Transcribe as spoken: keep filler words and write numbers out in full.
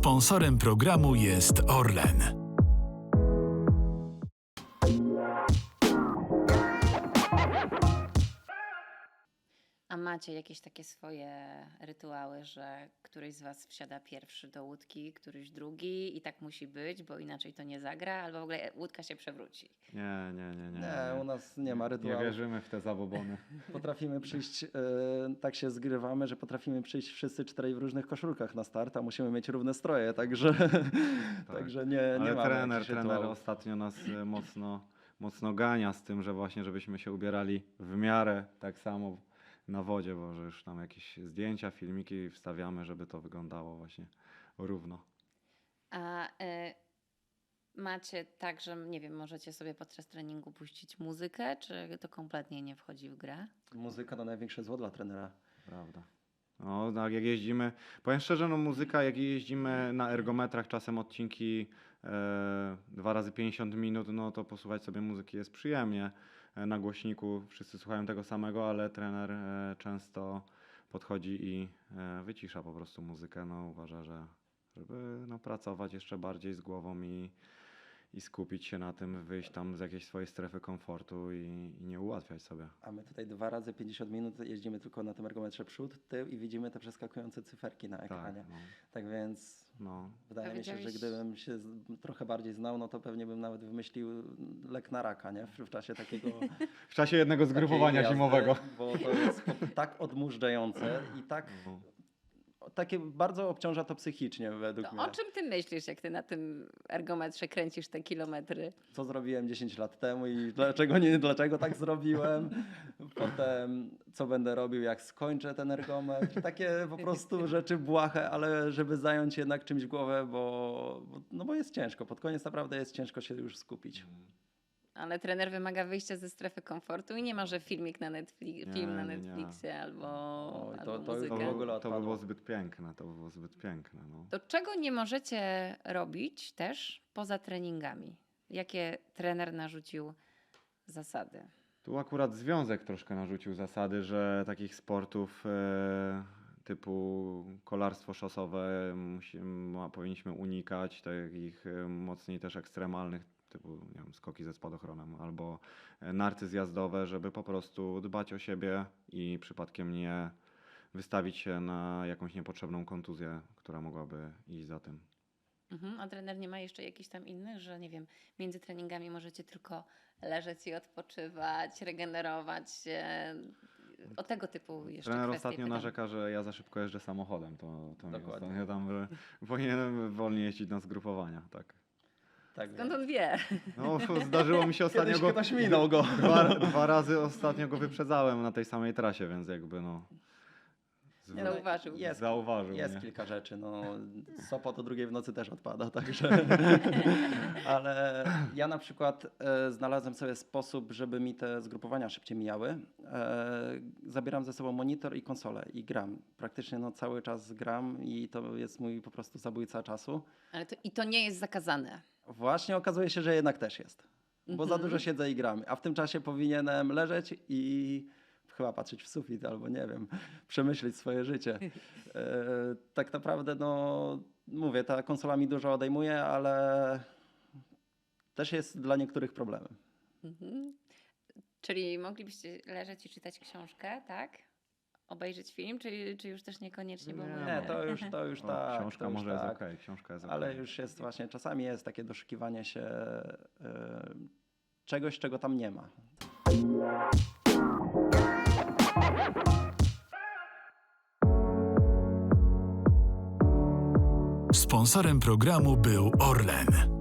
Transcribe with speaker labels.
Speaker 1: Sponsorem programu jest Orlen.
Speaker 2: A macie jakieś takie swoje rytuały, że któryś z was wsiada pierwszy do łódki, któryś drugi i tak musi być, bo inaczej to nie zagra, albo w ogóle łódka się przewróci?
Speaker 3: Nie, nie, nie, nie.
Speaker 4: Nie, u nas nie ma
Speaker 3: Nie
Speaker 4: rytuału.
Speaker 3: wierzymy w te zabobony.
Speaker 4: Potrafimy przyjść, e, tak się zgrywamy, że potrafimy przyjść wszyscy czterej w różnych koszulkach na start, a musimy mieć równe stroje, także, także nie, nie
Speaker 3: Ale
Speaker 4: mamy
Speaker 3: trener,
Speaker 4: jakichś
Speaker 3: trener
Speaker 4: rytuałów.
Speaker 3: ostatnio nas e, mocno, mocno gania z tym, że właśnie żebyśmy się ubierali w miarę tak samo na wodzie, bo że już tam jakieś zdjęcia, filmiki wstawiamy, żeby to wyglądało właśnie równo.
Speaker 2: A y, macie tak, że nie wiem, możecie sobie podczas treningu puścić muzykę, czy to kompletnie nie wchodzi w grę?
Speaker 4: Muzyka to największe zło dla trenera.
Speaker 3: Prawda. No, tak jak jeździmy, powiem szczerze, no muzyka, jak jeździmy na ergometrach, czasem odcinki e, dwa razy pięćdziesiąt minut, no to posłuchać sobie muzyki jest przyjemnie. E, na głośniku wszyscy słuchają tego samego, ale trener e, często podchodzi i e, wycisza po prostu muzykę. No, uważa, że żeby no, pracować jeszcze bardziej z głową i, i skupić się na tym, wyjść tam z jakiejś swojej strefy komfortu i, i nie ułatwiać sobie.
Speaker 4: A my tutaj dwa razy pięćdziesiąt minut jeździmy tylko na tym ergometrze przód, tył i widzimy te przeskakujące cyferki na ekranie.
Speaker 3: Tak, no,
Speaker 4: Tak więc
Speaker 3: no.
Speaker 4: wydaje mi się, że
Speaker 2: Powiedziałeś-
Speaker 4: gdybym się z- trochę bardziej znał, no to pewnie bym nawet wymyślił lek na raka, nie? W, w czasie takiego
Speaker 3: W czasie jednego zgrupowania
Speaker 4: takiej jazdy,
Speaker 3: zimowego.
Speaker 4: Bo to jest po- tak odmurzające i tak
Speaker 3: No.
Speaker 4: takie bardzo obciąża to psychicznie według
Speaker 2: To
Speaker 4: mnie.
Speaker 2: o czym ty myślisz, jak ty na tym ergometrze kręcisz te kilometry?
Speaker 4: Co zrobiłem dziesięć lat temu i dlaczego nie, dlaczego tak zrobiłem. Potem co będę robił, jak skończę ten ergometr. Takie po prostu rzeczy błahe, ale żeby zająć jednak czymś głowę, bo, bo, no bo jest ciężko. Pod koniec naprawdę jest ciężko się już skupić.
Speaker 2: Ale trener wymaga wyjścia ze strefy komfortu i nie ma, że filmik na Netflix,
Speaker 3: Nie,
Speaker 2: film na
Speaker 3: nie, nie.
Speaker 2: Netflixie albo,
Speaker 4: Oj, to-
Speaker 2: albo
Speaker 4: to już
Speaker 2: muzykę.
Speaker 4: w ogóle
Speaker 3: To by
Speaker 4: odpadło.
Speaker 3: było zbyt piękne, to by było zbyt piękne. No.
Speaker 2: To czego nie możecie robić też poza treningami? Jakie trener narzucił zasady?
Speaker 3: Tu akurat związek troszkę narzucił zasady, że takich sportów e, typu kolarstwo szosowe musi, ma, powinniśmy unikać, takich e, mocniej też ekstremalnych, typu nie wiem, skoki ze spadochronem albo e, narty zjazdowe, żeby po prostu dbać o siebie i przypadkiem nie wystawić się na jakąś niepotrzebną kontuzję, która mogłaby iść za tym.
Speaker 2: Mhm. A trener nie ma jeszcze jakichś tam innych, że nie wiem, między treningami możecie tylko leżeć i odpoczywać, regenerować się. O tego typu jeszcze
Speaker 3: Trener
Speaker 2: kwestie
Speaker 3: ostatnio
Speaker 2: pytam.
Speaker 3: narzeka, że ja za szybko jeżdżę samochodem. To, to mi
Speaker 4: Dokładnie.
Speaker 3: ostatnio tam, że powinienem wolniej jeździć na zgrupowania. Tak.
Speaker 4: Tak
Speaker 2: Skąd
Speaker 4: więc.
Speaker 2: on wie?
Speaker 3: No, zdarzyło mi się ostatnio
Speaker 4: Kiedyś
Speaker 3: go.
Speaker 4: ktoś minął go.
Speaker 3: Dwa, dwa razy ostatnio go wyprzedzałem na tej samej trasie, więc jakby no. z-
Speaker 2: Nie, Zauważył.
Speaker 4: Jest,
Speaker 3: Zauważył
Speaker 4: jest
Speaker 3: mnie.
Speaker 4: kilka rzeczy. No, Sopot o drugiej w nocy też odpada, także. Ale ja na przykład e, znalazłem sobie sposób, żeby mi te zgrupowania szybciej mijały. E, zabieram ze sobą monitor i konsolę i gram. Praktycznie no, cały czas gram i to jest mój po prostu zabójca czasu.
Speaker 2: Ale to, i to nie jest zakazane.
Speaker 4: Właśnie okazuje się, że jednak też jest. Bo za
Speaker 2: Mhm.
Speaker 4: dużo siedzę i gram. A w tym czasie powinienem leżeć i chyba patrzeć w sufit albo nie wiem, przemyśleć swoje życie. E, tak naprawdę, no mówię, ta konsola mi dużo odejmuje, ale też jest dla niektórych problemem.
Speaker 2: Mhm. Czyli moglibyście leżeć i czytać książkę, tak? Obejrzeć film, czy, czy już też niekoniecznie? Bo
Speaker 3: Nie,
Speaker 2: mamy-
Speaker 4: Nie, to już, to już
Speaker 3: O,
Speaker 4: tak.
Speaker 3: książka
Speaker 4: to już
Speaker 3: może jest
Speaker 4: tak.
Speaker 3: okej, książka jest
Speaker 4: Ale
Speaker 3: okej.
Speaker 4: już jest właśnie, czasami jest takie doszukiwanie się e, czegoś, czego tam nie ma.
Speaker 1: Sponsorem programu był Orlen.